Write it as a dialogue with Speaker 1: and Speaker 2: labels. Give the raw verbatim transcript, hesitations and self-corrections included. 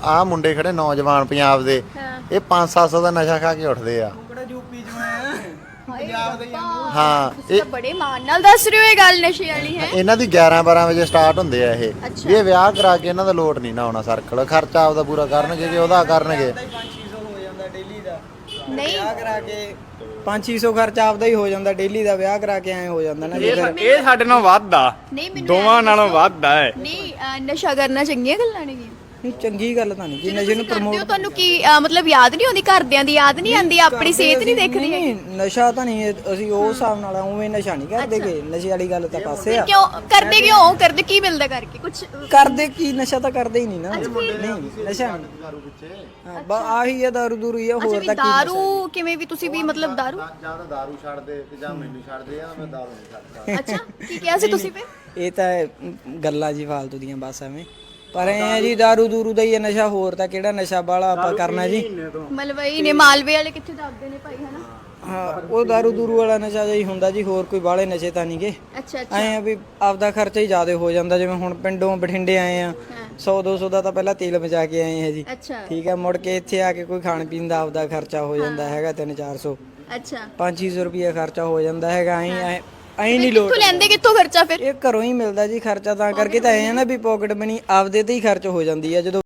Speaker 1: ਆਹ ਮੁੰਡੇ ਖੜੇ ਨੌਜਵਾਨ ਪੰਜਾਬ ਦੇ, ਇਹ ਪੰਜ ਸੱਤ ਸੌ ਦਾ ਨਸ਼ਾ ਖਾ ਕੇ ਉੱਠਦੇ ਆ। ਹਾਂ
Speaker 2: ਤੁਸੀਂ ਤਾਂ ਬੜੇ ਮਾਣ ਨਾਲ ਦੱਸ ਰਹੇ ਹੋ ਇਹ ਗੱਲ ਨਸ਼ੇ ਵਾਲੀ ਹੈ।
Speaker 1: ਇਹਨਾਂ ਦੀ ਗਿਆਰਾਂ ਬਾਰਾਂ ਵਜੇ ਸਟਾਰਟ ਹੁੰਦੇ ਆ ਇਹ ਵੀ ਇਹ ਵਿਆਹ ਕਰਾ ਕੇ ਇਹਨਾਂ ਦਾ ਲੋਡ ਨਹੀਂ ਨਾ ਆਉਣਾ ਸਰਕਲ, ਖਰਚਾ ਆਪਦਾ ਪੂਰਾ ਕਰਨਗੇ ਕਿ ਉਹਦਾ ਕਰਨਗੇ।
Speaker 2: ਨਹੀਂ
Speaker 3: ਵਿਆਹ ਕਰਾ ਕੇ ਪੰਜ ਛੇ ਸੌ ਖਰਚਾ ਆਪਦਾ ਹੀ ਹੋ ਜਾਂਦਾ ਡੇਲੀ ਦਾ, ਵਿਆਹ ਕਰਾ ਕੇ ਐ ਹੋ ਜਾਂਦਾ ਨਾ।
Speaker 4: ਇਹ ਇਹ ਸਾਡੇ ਨਾਲੋਂ ਵੱਧ ਆ,
Speaker 2: ਨਹੀਂ ਮੈਨੂੰ
Speaker 4: ਦੋਵਾਂ ਨਾਲੋਂ ਵੱਧ ਆ।
Speaker 2: ਨਹੀਂ ਅਹ, ਨਸ਼ਾ ਕਰਨਾ ਚੰਗੀਆਂ ਗੱਲਾਂ ਨੇ।
Speaker 3: ਨਹੀਂ ਚੰਗੀ ਗੱਲ ਤਾਂ ਨਹੀਂ ਜੀ, ਨਸ਼ੇ ਨੂੰ
Speaker 2: ਕਰਦੇ ਹੋ ਤੁਹਾਨੂੰ ਕੀ ਅਹ, ਮਤਲਬ ਯਾਦ ਨਹੀਂ ਆਉਂਦੀ, ਘਰਦਿਆਂ ਦੀ ਯਾਦ ਨਹੀਂ ਆਉਂਦੀ, ਆਪਣੀ ਸਿਹਤ ਨਹੀਂ ਦੇਖਦੀ ਹੈ?
Speaker 3: ਨਹੀਂ ਨਸ਼ਾ ਤਾਂ ਨਹੀਂ ਇਹ- ਅਸੀਂ ਉਹ ਹਿਸਾਬ ਨਾਲ ਉਵੇਂ ਨਸ਼ਾ ਨਹੀਂ ਕਰਦੇਗੇ, ਨਸ਼ੇ ਵਾਲੀ ਗੱਲ ਤਾਂ ਪਾਸੇ ਆ।
Speaker 2: ਕਿਉਂ ਕਰਦੇ, ਕਿਉਂ ਕਰਦੇ, ਕੀ ਮਿਲਦਾ ਕਰਕੇ ਕੁਝ?
Speaker 3: ਕਰਦੇ ਕੀ, ਨਸ਼ਾ ਤਾਂ ਕਰਦੇ ਹੀ ਨਹੀਂ ਨਾ। ਨਹੀਂ ਨਸ਼ਾ ਨਹੀਂ, ਹਾਂ ਬਸ ਆਹੀ ਆ, ਦਾਰੂ ਦੂਰੂ ਹੀ ਆ,
Speaker 2: ਅੱਛਾ
Speaker 3: ਹੋਰ
Speaker 2: ਵੀ
Speaker 3: ਤਾਂ ਕੀ।
Speaker 2: ਦਾਰੂ ਕਿਵੇਂ ਵੀ ਤੁਸੀਂ ਵੀ ਮਤਲਬ ਦਾਰੂ?
Speaker 1: ਜਾਂ ਤਾਂ ਦਾਰੂ ਛੱਡ ਦੇ ਤੇ ਜਾਂ ਮੈਨੂੰ ਛੱਡ ਦੇ, ਜਾਂ ਮੈਂ ਦਾਰੂ ਨਹੀਂ ਛੱਡਦਾ।
Speaker 2: ਅੱਛਾ ਕੀ ਕਿਹਾ ਸੀ ਤੁਸੀਂ ਫਿਰ?
Speaker 3: ਇਹ ਤਾਂ ਗੱਲਾਂ ਜੀ ਫਾਲਤੂ ਦੀਆਂ ਬਸ ਐਵੇਂ, ਪਰ ਐ ਆ ਜੀ ਦਾਰੂ ਦੂਰੂ ਦਾ ਹੀ ਆ ਨਸ਼ਾ, ਹੋਰ ਤਾਂ ਕਿਹੜਾ ਨਸ਼ਾ ਬਾਲਾ ਆਪਾਂ ਕਰਨਾ ਜੀ।
Speaker 2: ਮਲਵਈ ਨੇ ਮਾਲਵੇ ਵਾਲੇ ਕਿੱਥੇ ਦੱਸਦੇ ਨੇ ਭਾਈ, ਹਨਾ?
Speaker 3: ਹਾਂ ਉਹ ਦਾਰੂ ਦੂਰੂ ਵਾਲਾ ਨਸ਼ਾ ਜਿਹਾ ਹੀ ਹੁੰਦਾ ਜੀ, ਹੋਰ ਕੋਈ ਬਾਲੇ ਨਸ਼ੇ ਤਾਂ ਨਹੀਂਗੇ।
Speaker 2: ਅੱਛਾ ਅੱਛਾ
Speaker 3: ਐ ਆ ਵੀ ਆਪਦਾ ਖਰਚਾ ਹੀ ਜ਼ਿਆਦਾ ਹੋ ਜਾਂਦਾ, ਜਿਵੇਂ ਹੁਣ ਪਿੰਡੋਂ ਬਠਿੰਡੇ ਆਏ ਆ, ਸੌ ਦੋ ਸੌ ਦਾ ਤਾਂ ਪਹਿਲਾਂ ਤੇਲ ਬਚਾ ਕੇ ਆਏ ਆ ਜੀ,
Speaker 2: ਅੱਛਾ
Speaker 3: ਠੀਕ ਹੈ। ਮੁੜ ਕੇ ਇੱਥੇ ਆ ਕੇ ਕੋਈ ਖਾਣ ਪੀਣ ਦਾ ਆਪਦਾ ਖਰਚਾ ਹੋ ਜਾਂਦਾ ਹੈਗਾ ਤਿੰਨ ਚਾਰ ਸੌ,
Speaker 2: ਅੱਛਾ
Speaker 3: ਪੰਜ ਛੇ ਸੌ ਰੁਪਏ ਖਰਚਾ ਹੋ ਜਾਂਦਾ ਹੈਗਾ। ਐਂ ਐਂ ਐਂ ਨਹੀਂ ਲੋੜ,
Speaker 2: ਕਿੱਥੋਂ ਲੈਂਦੇ, ਕਿੱਥੋਂ ਖਰਚਾ ਫਿਰ?
Speaker 3: ਇਹ ਘਰੋਂ ਹੀ ਮਿਲਦਾ ਜੀ ਖਰਚਾ, ਤਾਂ ਕਰਕੇ ਤਾਂ ਐ ਆ ਨਾ ਵੀ ਪਾਕਟ ਮਨੀ ਆਪਦੇ ਤੇ ਹੀ ਖਰਚ ਹੋ ਜਾਂਦੀ ਹੈ ਜਦੋਂ